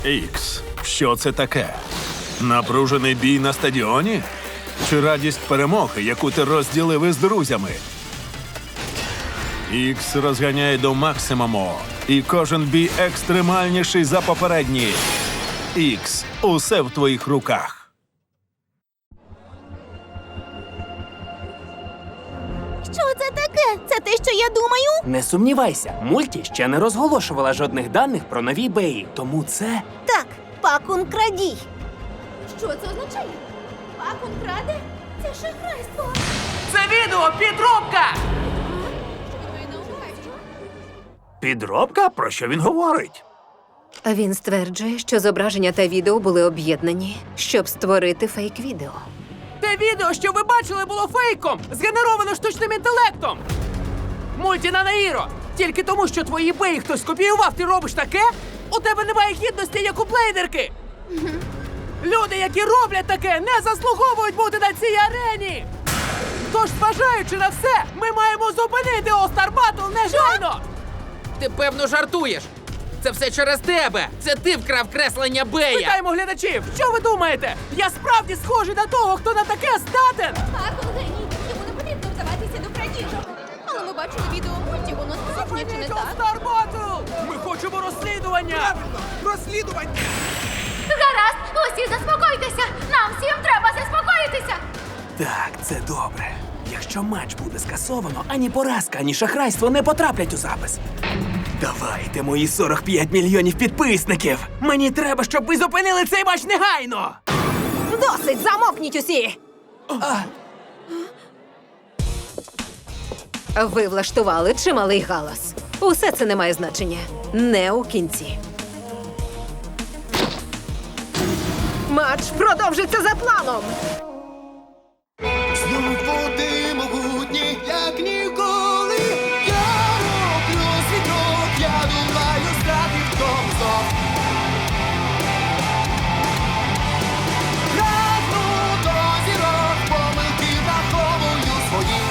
Ікс, що це таке? Напружений бій на стадіоні? Чи радість перемоги, яку ти розділив із друзями? Ікс розганяє до максимуму, і кожен бій екстремальніший за попередній. Ікс, усе в твоїх руках. Що це таке? Це те, що я думаю? Не сумнівайся, мульті ще не розголошувала жодних даних про нові беї, тому це... Так, Пакун крадій. Що це означає? Пакун краде? Це шахрайство. Це відео підробка! Підробка? Про що він говорить? Він стверджує, що зображення та відео були об'єднані, щоб створити фейк-відео. Те відео, що ви бачили, було фейком, згенеровано штучним інтелектом. Мультінанаїро, тільки тому, що твої беї хтось скопіював, ти робиш таке? У тебе немає гідності, як у блейдерки. Люди, які роблять таке, не заслуговують бути на цій арені. Тож, зважаючи на все, ми маємо зупинити All-Star Battle негайно! Ти, певно, жартуєш. Це все через тебе. Це ти вкрав креслення Бея. Питаємо глядачів, що ви думаєте? Я справді схожий на того, хто на таке здатен? Пакун геній. Йому не потрібно вдаватися до крадіжок. Але ми бачили відео мульті, воно справжнє, чи не так? All-Star Battle! Ми хочемо розслідування! Розслідування! Гаразд, усі заспокойтеся. Нам всім треба заспокоїтися. Так, це добре. Якщо матч буде скасовано, ані поразка, ані шахрайство не потраплять у запис. Давайте, мої 45 мільйонів підписників! Мені треба, щоб ви зупинили цей матч негайно! Досить! Замовкніть усі! Ви влаштували чималий галас. Усе це не має значення. Не у кінці. Матч продовжиться за планом! Знову ти могутній, як ніколи. Я роблю свій крок, я думаю, стати в тому знов. Прагну до зірок, помилки враховую свої.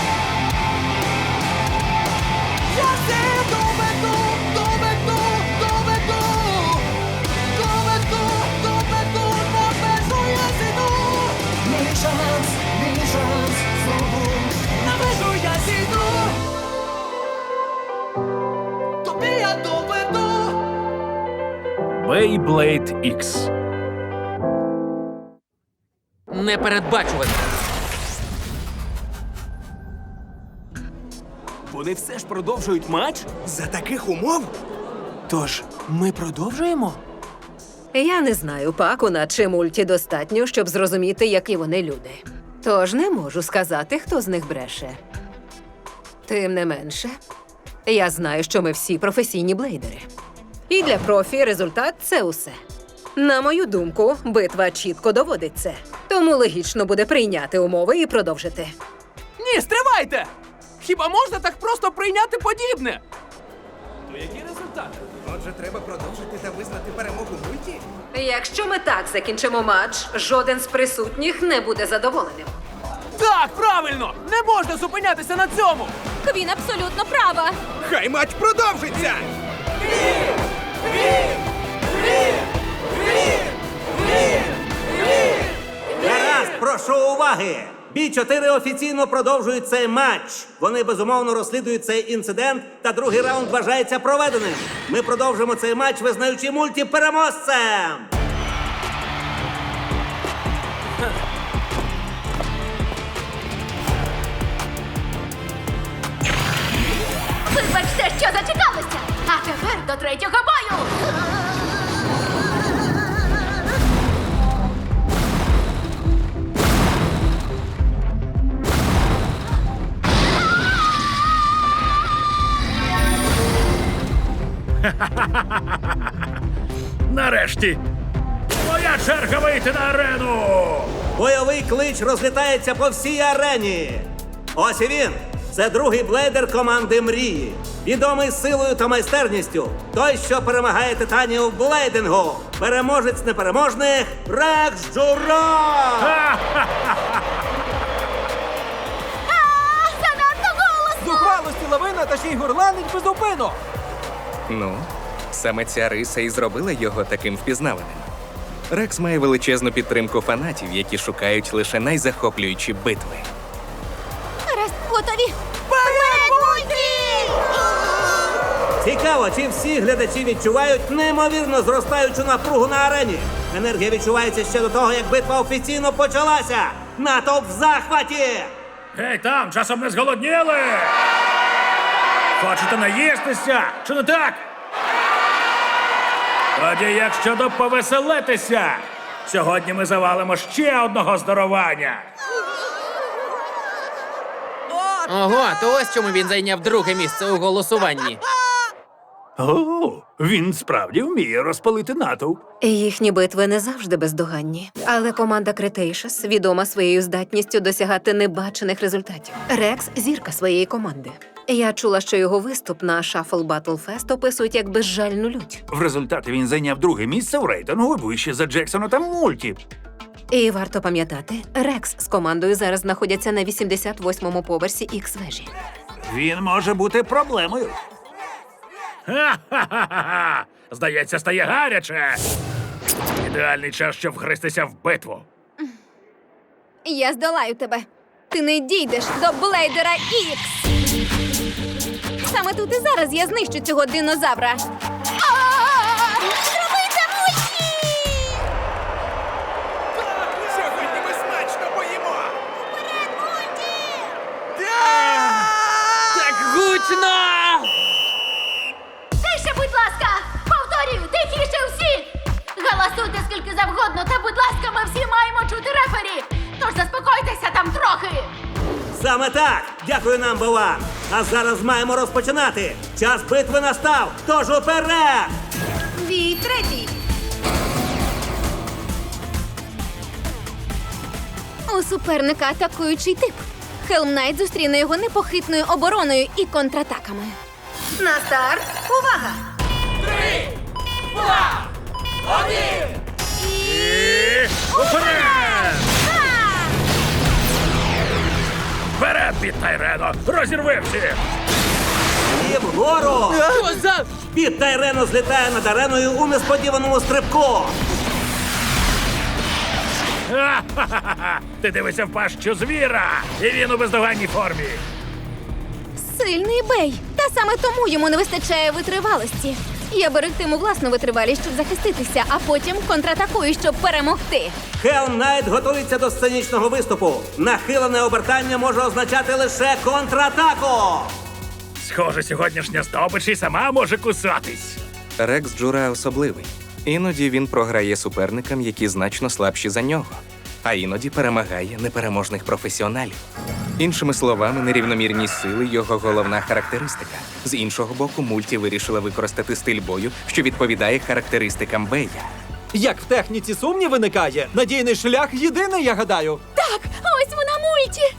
Я все доведу, доведу, доведу. Доведу, по межу я зійду. Мій шанс, знову на межу я зійду. Тобі я доведу. Beyblade X. Непередбачувано. Вони все ж продовжують матч? За таких умов? Тож, ми продовжуємо? Я не знаю Пакуна чи мульті достатньо, щоб зрозуміти, які вони люди. Тож не можу сказати, хто з них бреше. Тим не менше, я знаю, що ми всі професійні блейдери. І для профі результат – це усе. На мою думку, битва чітко доводить це. Тому логічно буде прийняти умови і продовжити. Ні, стривайте! Хіба можна так просто прийняти подібне? То які результати? Отже, треба продовжити та визнати перемогу мульті? Якщо ми так закінчимо матч, жоден з присутніх не буде задоволеним. Так, правильно! Не можна зупинятися на цьому! Він абсолютно права. Хай матч продовжиться! Гаразд, прошу уваги! Бій 4 офіційно продовжують цей матч. Вони безумовно розслідують цей інцидент, та другий раунд вважається проведеним. Ми продовжимо цей матч, визнаючи мульті переможцем. Вибачте, що зачекалися. А тепер до третього бою. Нарешті! Моя черга вийти на арену! Бойовий клич розлітається по всій арені. Ось і він. Це другий блейдер команди Мрії. Відомий силою та майстерністю. Той, що перемагає титанів в блейдингу. Переможець непереможних Рекс Джурок! Занадто голосно! Зухвалості лавина та ще й горланить безупину! Ну, Саме ця риса і зробила його таким впізнаваним. Рекс має величезну підтримку фанатів, які шукають лише найзахоплюючі битви. Гаразд, готові. Вперед, Мульті! Цікаво, чи всі глядачі відчувають неймовірно зростаючу напругу на арені. Енергія відчувається ще до того, як битва офіційно почалася. Натовп в захваті! Гей, там, часом не зголодніли? Хочете наїстися? Чи не так? Тоді як щодо повеселитися? Сьогодні ми завалимо ще одного здорування. Ого, то ось чому він зайняв друге місце у голосуванні. О, він справді вміє розпалити натовп. Їхні битви не завжди бездоганні. Але команда Cretaceous відома своєю здатністю досягати небачених результатів. Рекс – зірка своєї команди. Я чула, що його виступ на Shuffle Battle Fest описують як безжальну лють. В результаті він зайняв друге місце в рейтингу вище за Джексона та Мульті. І варто пам'ятати, Рекс з командою зараз знаходяться на 88-му поверсі Ікс-вежі. Він може бути проблемою. Ха-ха-ха-ха! Здається, стає гаряче. Ідеальний час, щоб вхрестися в битву. Я здолаю тебе. Ти не дійдеш до Блейдера Ікс. Саме тут і зараз я знищу цього динозавра. Зроби це, Мульті! Сьогодні ми смачно поїмо! Вперед, Мульті! Так гучно! Тише, будь ласка! Повторюю, тихіше всі! Галасуйте скільки завгодно, та, будь ласка, ми всі маємо чути рефері! Тож заспокойтеся там трохи! Саме так! Дякую нам, Бован! А зараз маємо розпочинати! Час битви настав! Тож уперед! Бій третій! У суперника атакуючий тип. Хелм Найт зустріне його непохитною обороною і контратаками. На старт! Увага! Уперед! Вперед, Біт Тайрено! Розірви всіх! І вгору! Що за... Біт Тайрено злітає над ареною у несподіваному стрибку! Ха-ха-ха! Ти дивишся в пащу звіра, і він у бездоганній формі. Сильний бей. Та саме тому йому не вистачає витривалості. Я берегтиму власну витривалість, щоб захиститися, а потім контратакую, щоб перемогти. Хелм Найт готується до сценічного виступу. Нахилене обертання може означати лише контратаку. Схоже, сьогоднішня здобич і сама може кусатись. Рекс Джура особливий. Іноді він програє суперникам, які значно слабші за нього. А іноді перемагає непереможних професіоналів. Іншими словами, нерівномірність сили – його головна характеристика. З іншого боку, Мульті вирішила використати стиль бою, що відповідає характеристикам Бея. Як в техніці сумнів виникає, надійний шлях єдиний, я гадаю. Так, ось вона, Мульті!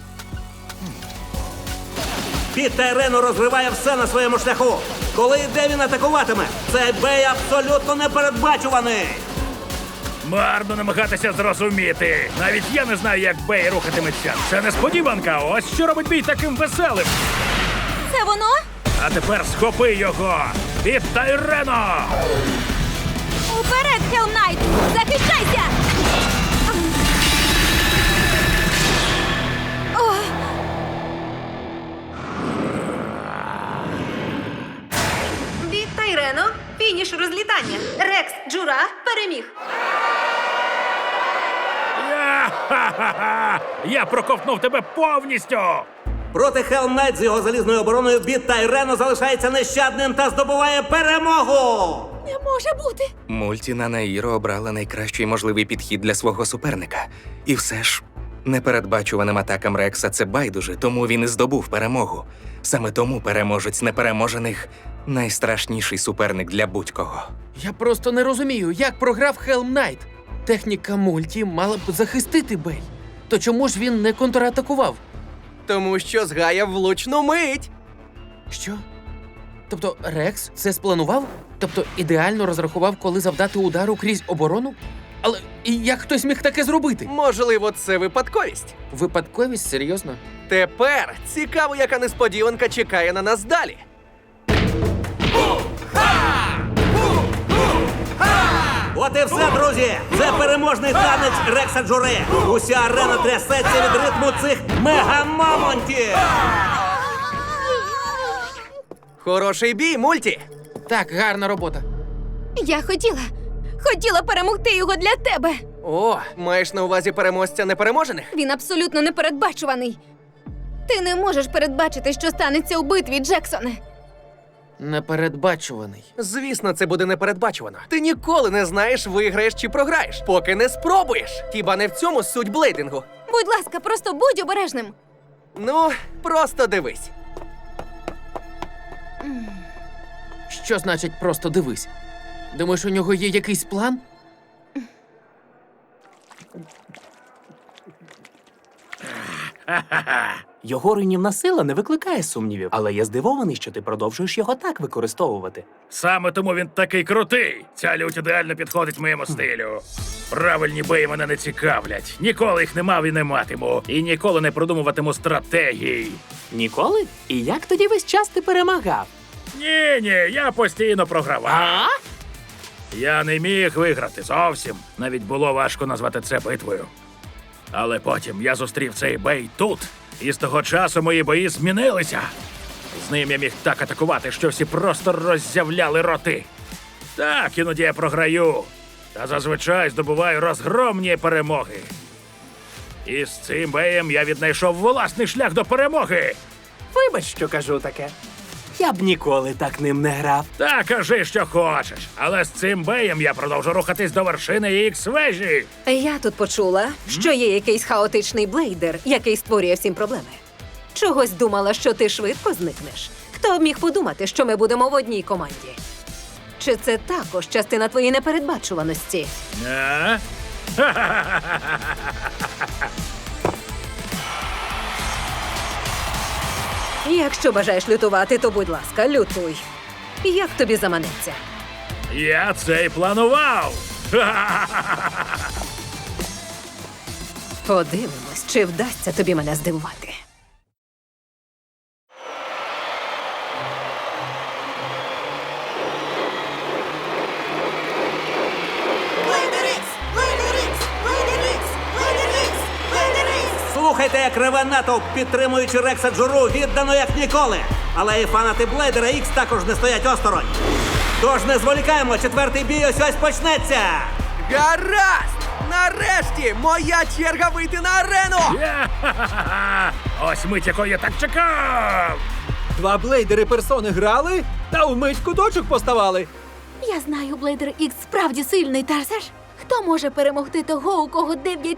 Біт Тайрено розриває все на своєму шляху. Коли і де він атакуватиме, цей бей абсолютно непередбачуваний. Марно намагатися зрозуміти. Навіть я не знаю, як Бей рухатиметься. Це несподіванка. Ось що робить бій таким веселим. Це воно? А тепер схопи його! Біт Тайрено! Уперед, Хелм Найт! Захищайся! О! Біт Тайрено, фініш розлітання. Рекс Джура переміг. Я-ха-ха-ха! Я проковтнув тебе повністю! Проти Хелм Найт з його залізною обороною Біт Тайрено залишається нещадним та здобуває перемогу! Не може бути! Мульті на Наїро обрала найкращий можливий підхід для свого суперника. І все ж, непередбачуваним атакам Рекса це байдуже, тому він і здобув перемогу. Саме тому переможець непереможених – найстрашніший суперник для будь-кого. Я просто не розумію, як програв Хелм Найт. Техніка Мульті мала б захистити Бей. То чому ж він не контратакував? Тому що згаяв влучну мить. Що? Тобто Рекс це спланував? Тобто ідеально розрахував, коли завдати удару крізь оборону? Але і як хтось міг таке зробити? Можливо, це випадковість. Випадковість? Серйозно? Тепер цікаво, яка несподіванка чекає на нас далі. От і все, друзі! Це переможний танець Рекса Джури! Уся арена трясеться від ритму цих мегамамонтів! Хороший бій, мульті! Так, гарна робота. Я хотіла перемогти його для тебе. О, маєш на увазі переможця непереможених? Він абсолютно непередбачуваний. Ти не можеш передбачити, що станеться у битві, Джексоне. Непередбачуваний. Звісно, це буде непередбачувано. Ти ніколи не знаєш, виграєш чи програєш, поки не спробуєш. Хіба не в цьому суть блейдингу? Будь ласка, просто будь обережним. Ну, просто дивись. Що значить просто дивись? Думаєш, у нього є якийсь план? Його руйнівна сила не викликає сумнівів, але я здивований, що ти продовжуєш його так використовувати. Саме тому він такий крутий. Ця лють ідеально підходить моєму стилю. Правильні бої мене не цікавлять. Ніколи їх не мав і не матиму. І ніколи не продумуватиму стратегій. Ніколи? І як тоді весь час ти перемагав? Ні, я постійно програвав. Я не міг виграти зовсім. Навіть було важко назвати це битвою. Але потім я зустрів цей бей тут, і з того часу мої бої змінилися. З ним я міг так атакувати, що всі просто роззявляли роти. Так, іноді я програю, та зазвичай здобуваю розгромні перемоги. І з цим беєм я віднайшов власний шлях до перемоги. Вибач, що кажу таке. Я б ніколи так ним не грав. Та кажи, що хочеш, але з цим беєм я продовжу рухатись до вершини Ікс-вежі. Я тут почула, що є якийсь хаотичний блейдер, який створює всім проблеми. Чогось думала, що ти швидко зникнеш. Хто б міг подумати, що ми будемо в одній команді? Чи це також частина твоєї непередбачуваності? А? Якщо бажаєш лютувати, то будь ласка, лютуй. Як тобі заманеться? Я це й планував. Подивимось, чи вдасться тобі мене здивувати. Слухайте, як реве натовп, підтримуючи Рекса Джуру, віддано як ніколи. Але і фанати Блейдера Ікс також не стоять осторонь. Тож не зволікаємо, четвертий бій ось почнеться. Гаразд! Нарешті моя черга вийти на арену! Ось мить, якої я так чекав. Два блейдери персони грали та вмить куточок поставали. Я знаю, Блейдер Ікс справді сильний, та все ж. Хто може перемогти того, у кого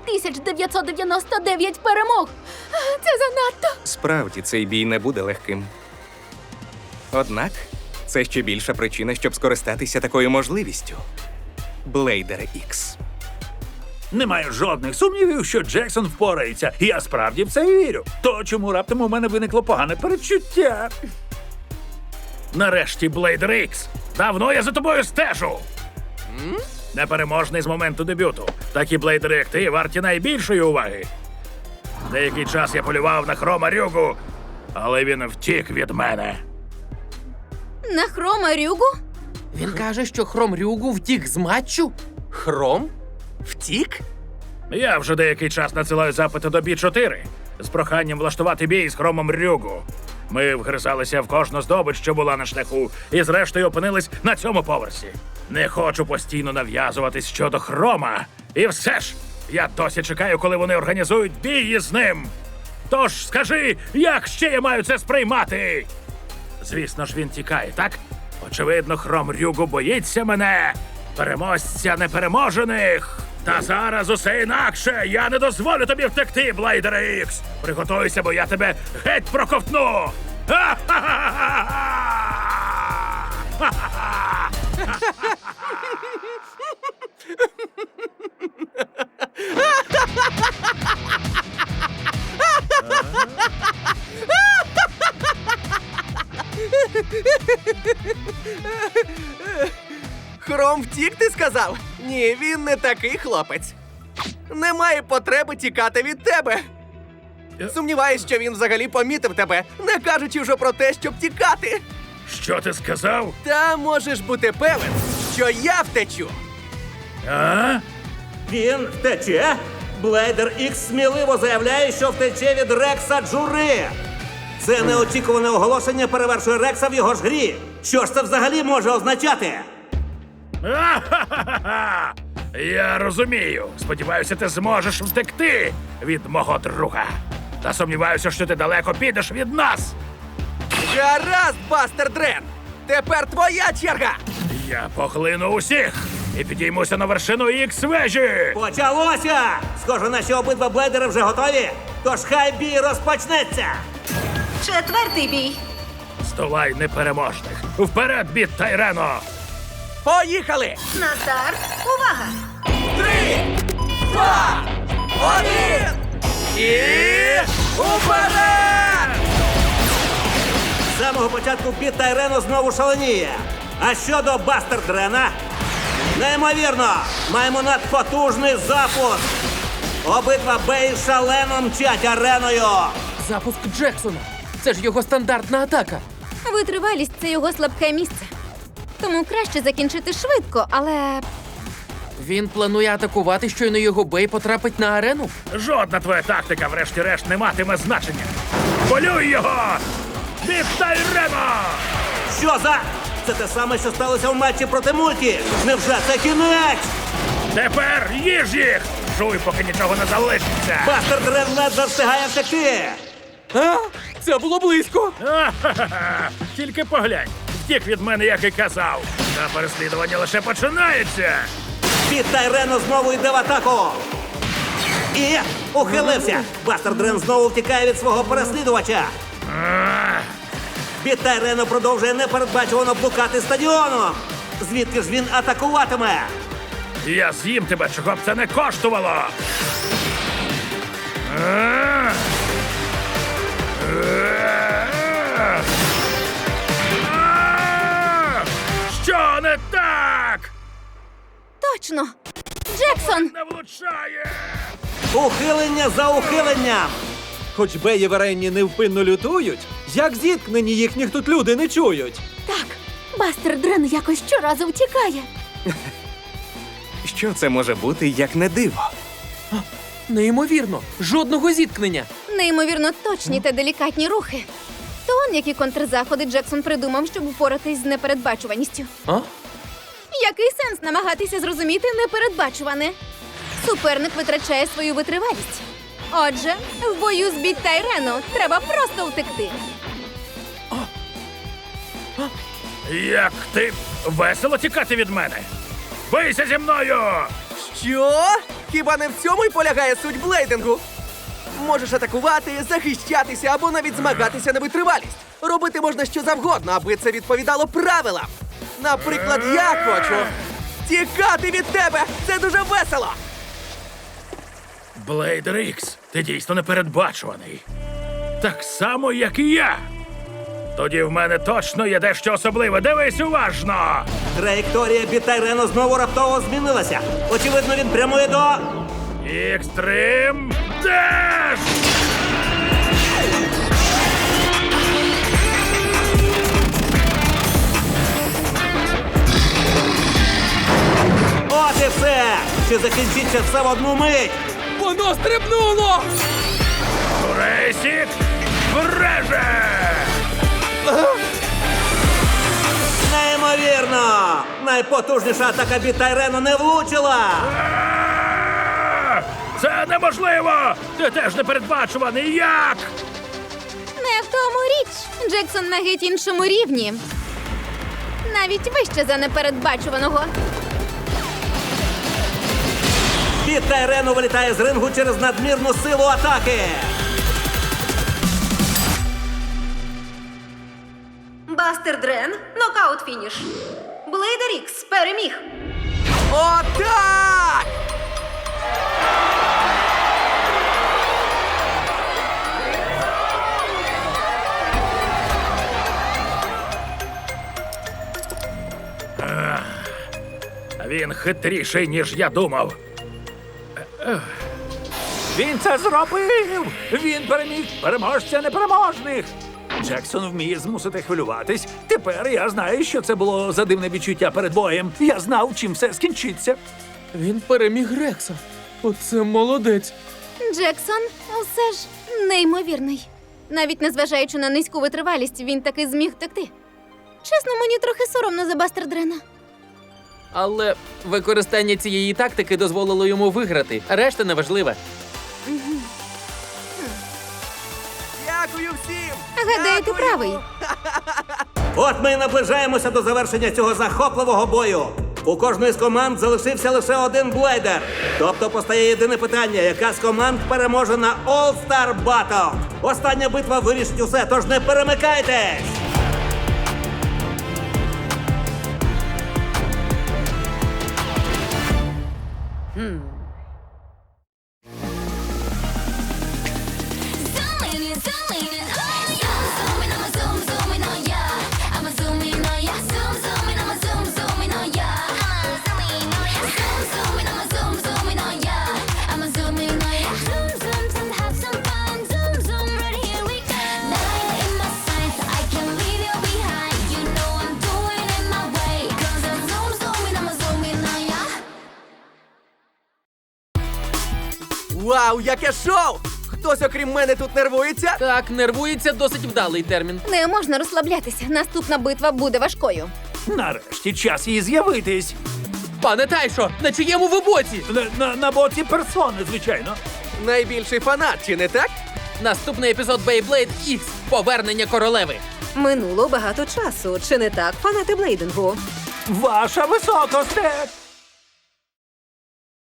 9999 перемог? Це занадто. Справді, цей бій не буде легким. Однак, це ще більша причина, щоб скористатися такою можливістю. Блейдер Ікс. Немає жодних сумнівів, що Джексон впорається. І я справді в це вірю. То чому раптом у мене виникло погане передчуття? Нарешті, Блейдер Ікс. Давно я за тобою стежу. Непереможний з моменту дебюту. Такі блейдери, як ти, варті найбільшої уваги. Деякий час я полював на Хрома Рюгу, але він втік від мене. На Хрома Рюгу? Він каже, що Хром Рюгу втік з матчу? Хром? Втік? Я вже деякий час надсилаю запити до Бі-4 з проханням влаштувати бій з Хромом Рюгу. Ми вгризалися в кожну здобич, що була на шляху, і зрештою опинились на цьому поверсі. Не хочу постійно нав'язуватись щодо Хрома. І все ж, я досі чекаю, коли вони організують бій з ним. Тож скажи, як ще я маю це сприймати? Звісно ж, він тікає, так? Очевидно, Хром Рюгу боїться мене, переможця непереможених. Та зараз усе інакше. Я не дозволю тобі втекти, Блейдере Ікс. Приготуйся, бо я тебе геть проковтну. Хром втік, ти сказав? Ні, він не такий хлопець. Немає потреби тікати від тебе. Сумніваюсь, що він взагалі помітив тебе, не кажучи вже про те, щоб тікати. Що ти сказав? Та можеш бути певен, що я втечу. А? Він втече? Блейдер Ікс сміливо заявляє, що втече від Рекса Джури. Це неочікуване оголошення перевершує Рекса в його ж грі. Що ж це взагалі може означати? Ха-ха-ха! Я розумію. Сподіваюся, ти зможеш втекти від мого друга. Та сумніваюся, що ти далеко підеш від нас. Гаразд, Бастер Дрен! Тепер твоя черга! Я поглину усіх і підіймуся на вершину Ікс-вежі. Почалося! Схоже, наші обидва блейдери вже готові. Тож хай бій розпочнеться! Четвертий бій. Здолай непереможних. Вперед, Біт Тайрено! Поїхали! На старт. Увага! 3, 2, 1! І уперед! З самого початку Біт Тайрено знову шаленіє. А щодо Бастер Дрена? Неймовірно! Маємо надпотужний запуск! Обидва беї шалено мчать ареною! Запуск Джексона. Це ж його стандартна атака. Витривалість це його слабке місце. Тому краще закінчити швидко, але Він планує атакувати, щойно його бей потрапить на арену. Жодна твоя тактика, врешті-решт, не матиме значення. Полюй його! Біт Тайрено! Що за? Це те саме, що сталося в матчі проти Мульті! Невже це кінець? Тепер їж їх! Жуй, поки нічого не залишиться! Бастер Дрен ледве встигає втекти! А? Це було близько! Ха-ха-ха! Тільки поглянь! Втік від мене, як і казав! Та переслідування лише починається! Біт Тайрено знову йде в атаку! І ухилився! Бастер Дрен знову втікає від свого переслідувача! Біт Тайрено продовжує непередбачувано блукати стадіоном! Звідки ж він атакуватиме? Я з'їм тебе, чого б це не коштувало! Що не так? точно! Джексон! Не влучає! Ухилення за ухиленням! Хоч беї в арені невпинно лютують, як зіткнені їхніх тут люди не чують. Так, Бастер Дрен якось щоразу втікає. Що це може бути, як не диво? Неймовірно, жодного зіткнення. Неймовірно точні та делікатні рухи. То он які контрзаходи Джексон придумав, щоб впоратись з непередбачуваністю. А? Який сенс намагатися зрозуміти непередбачуване? Суперник витрачає свою витривалість. Отже, в бою з Біт Тайрено треба просто втекти. Як ти весело тікати від мене? Бийся зі мною! Що? Хіба не в цьому й полягає суть блейдингу? Можеш атакувати, захищатися або навіть змагатися на витривалість. Робити можна що завгодно, аби це відповідало правилам. Наприклад, я хочу тікати від тебе! Це дуже весело! Блейдер Ікс, ти дійсно непередбачуваний. Так само, як і я. Тоді в мене точно є дещо особливе. Дивись уважно! Траєкторія Біт Тайрено знову раптово змінилася. Очевидно, він прямує до... Екстрим Деш! От і все! Чи закінчиться все в одну мить? Воно стрибнуло! Рейсік вреже! Неймовірно! Найпотужніша атака Біт Тайрено не влучила! Це неможливо! Ти теж непередбачуваний! Як? Не в тому річ. Джексон на геть іншому рівні. Навіть вище за непередбачуваного. Біт Тайрено вилітає з рингу через надмірну силу атаки! Бастер Дрен. Нокаут фініш. Блейдер Ікс переміг. Отак! Він хитріший, ніж я думав. Він це зробив! Він переміг переможця непереможних! Джексон вміє змусити хвилюватись. Тепер я знаю, що це було за дивне відчуття перед боєм. Я знав, чим все скінчиться. Він переміг Рекса. Оце молодець. Джексон все ж неймовірний. Навіть незважаючи на низьку витривалість, він таки зміг втекти. Чесно, мені трохи соромно за Бастер Дрена. Але використання цієї тактики дозволило йому виграти, а решта неважлива. Дякую всім! Гадаю, ти правий. От ми і наближаємося до завершення цього захопливого бою. У кожної з команд залишився лише один блейдер. Тобто постає єдине питання, яка з команд переможе на All-Star Battle. Остання битва вирішить усе, тож не перемикайтесь! Вау, яке шоу! Хтось окрім мене тут нервується? Так, нервується досить вдалий термін. Не можна розслаблятися. Наступна битва буде важкою. Нарешті час їй з'явитись. Пане Тайшо, на чиєму ви боці? На боці персони, звичайно. Найбільший фанат, чи не так? Наступний епізод Beyblade X – Повернення королеви. Минуло багато часу. Чи не так, фанати блейдингу? Ваша високосте!